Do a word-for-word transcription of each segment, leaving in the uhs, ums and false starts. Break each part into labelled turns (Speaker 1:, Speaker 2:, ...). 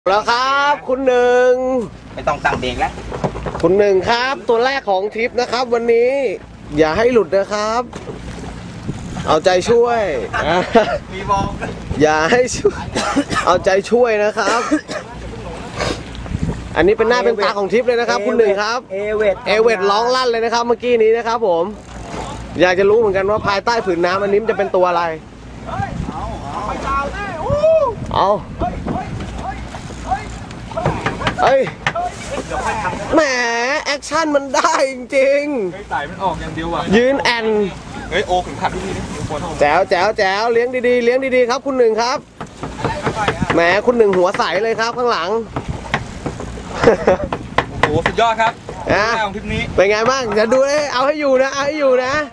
Speaker 1: แล้วครับคุณหนึ่ง
Speaker 2: ไม่ต้องตั้งเบรกแล้ว
Speaker 1: คุณหนึ่งครับตัวแรกของทริปนะครับวันนี้อย่าให้หลุดนะครับเอาใจช่วย
Speaker 2: มีบอล
Speaker 1: อย่าให้ช่วยเอาใจช่วยนะครับอันนี้เป็นหน้าเป็นตาของทริปเลยนะครับคุณหนึ่งครับ
Speaker 2: เอเวท
Speaker 1: เอเวทร้องลั่นเลยนะครับเมื่อกี้นี้นะครับผมอยากจะรู้เหมือนกันว่าภายใต้ผืนน้ำอันนี้จะเป็นตัวอะไรเอาเอ้ยแหมแอคชั่นมันได้จริง
Speaker 3: ๆสายมันออกอย่างเดียวอ่ะ
Speaker 1: ยืนแอน
Speaker 3: เฮ้ยโอถึงขัดที่นี่
Speaker 1: แจ๋วแจ๋วแจ๋วเลี้ยงดีๆเลี้ยงดีๆครับคุณหนึ่งครับแหมคุณหนึ่งหัวใสเลยครับข้างหลัง
Speaker 3: โอ้โหสุดยอดครับ
Speaker 1: นะ
Speaker 3: ของทริปนี้
Speaker 1: เป็นไงบ้างจะดูเลยเอาให้อยู่นะเอาให้อยู่นะ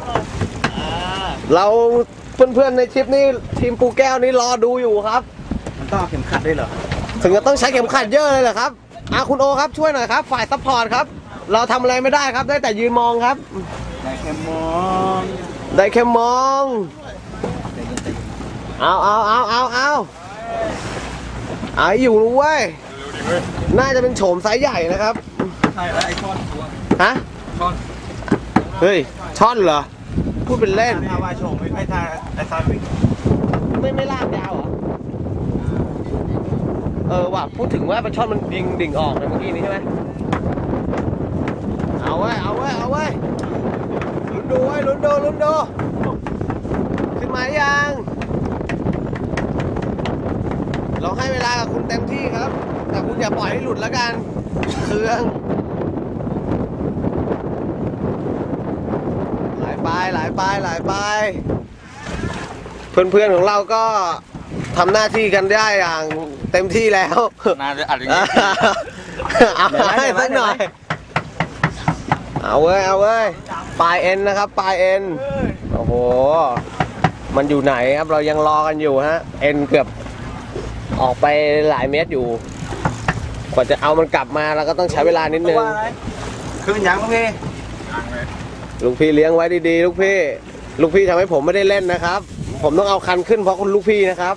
Speaker 1: เราเพื่อนๆในทริปนี้ทีมปูแก้วนี่รอดูอยู่ครับ
Speaker 2: มันต้องเข็มขัดด้วยเหรอ
Speaker 1: ถึงจะต้องใช้เข็มขัดเยอะเลยเหรอครับอาคุณโอครับช่วยหน่อยครับฝ่ายซัพพอร์ตครับเราทำอะไรไม่ได้ครับได้แต่ยืนมองครับ
Speaker 2: ได้แค่มอง
Speaker 1: ได้แค่มองเอาเอาเอาเอาเอาเอาอยู่เว้ยน่าจะเป็นโฉมไซส์ใหญ่นะครับ
Speaker 3: ใช่แล้วไอช่อน
Speaker 1: ฮะ
Speaker 3: ช่อน
Speaker 1: เฮ้ยช่อนเหรอพูดเป็นเล่น
Speaker 2: ถ้าว่าโฉมไอ้ท่าไอ้ท่าวิ่ง
Speaker 1: ไม่ไม่ลากยาวเหรอเออว่ะพูดถึงว่าปลาช่อนมันดิ่งดิ่งออกในเมื่อกี้นี้ใช่ไหมเอาไว้เอาไว้เอาไว้ลุ้นดูไว้ลุ้นดูลุ้นดูขึ้นมายังเราให้เวลากับคุณเต็มที่ครับแต่คุณอย่าปล่อยให้หลุดแล้วกันเครื่องหลายปลายหลายปลายหลายปลายเพื่อนๆของเราก็ทำหน้าที่กันได้อย่างเต็มที่แล้ว
Speaker 3: น่าจะอัดอย่างนี้
Speaker 1: เอาให้สักหน่อยเอาเว้ยเอาเว้ยปลายเอ็นนะครับปลายเอ็นโอ้โหมันอยู่ไหนครับเรายังรอกันอยู่ฮะเอ็นเกือบออกไปหลายเมตรอยู่กว่าจะเอามันกลับมาเราก็ต้องใช้เวลานิดนึง
Speaker 2: ขึ้นยังลูกพี่
Speaker 1: ลูกพี่เลี้ยงไว้ดีๆลูกพี่ลูกพี่ทำให้ผมไม่ได้เล่นนะครับผมต้องเอาคันขึ้นเพราะคุณลูกพี่นะครับ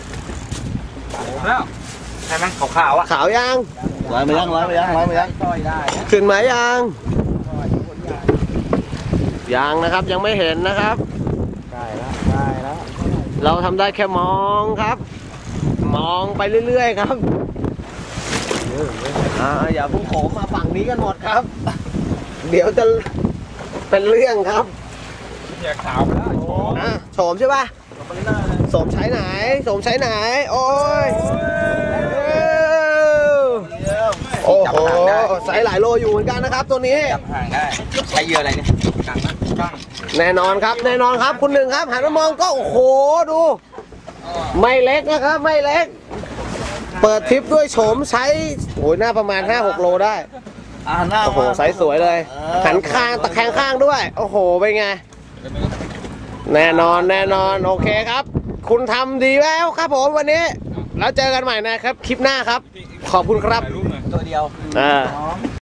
Speaker 3: แล้ว
Speaker 2: ใช่ไหมขาวขาวอ่ะ
Speaker 1: ขาวยัง
Speaker 2: ร้อยไปยังร้อยไปยังร้อยไปยัง
Speaker 1: ขึ้นไหมยังยังนะครับยังไม่เห็นนะครับ
Speaker 2: ได้แล้วได้แล้ว
Speaker 1: เราทำได้แค่มองครับมองไปเรื่อยๆครับอ่าอย่าพุ่งโขมมาฝั่งนี้กันหมดครับเดี๋ยวจะเป็นเรื่องครับ
Speaker 3: อย่าขาวไปแล้ว
Speaker 1: อ่ะโฉมใช่ป่ะโฉมใช้ไหนโฉมใช้ไหนโอ้ยโอ้โหใส่หลายโลอยู่เหมือนกันนะครับตัวนี้
Speaker 2: จับห่างได้ใช้เยอะอะไรเนี่ย
Speaker 1: แน่นอนครับแน่นอนครับคุณหนึ่งครับหันมามองก็โอ้โหดูไม่เล็กนะครับไม่เล็กเปิดทริปด้วยโฉมใช้โอ้ยหน้าประมาณ ห้าหก โลได้โอ้โหไซส์สวยเลยหันข้างตะแคงข้างด้วยโอ้โหเป็นไงแน่นอนแน่นอนโอเคครับคุณทำดีแล้วครับผมวันนี้แล้วเจอกันใหม่นะครับคลิปหน้าครับขอบคุณครับ
Speaker 2: ตัวเดียว
Speaker 1: อ่า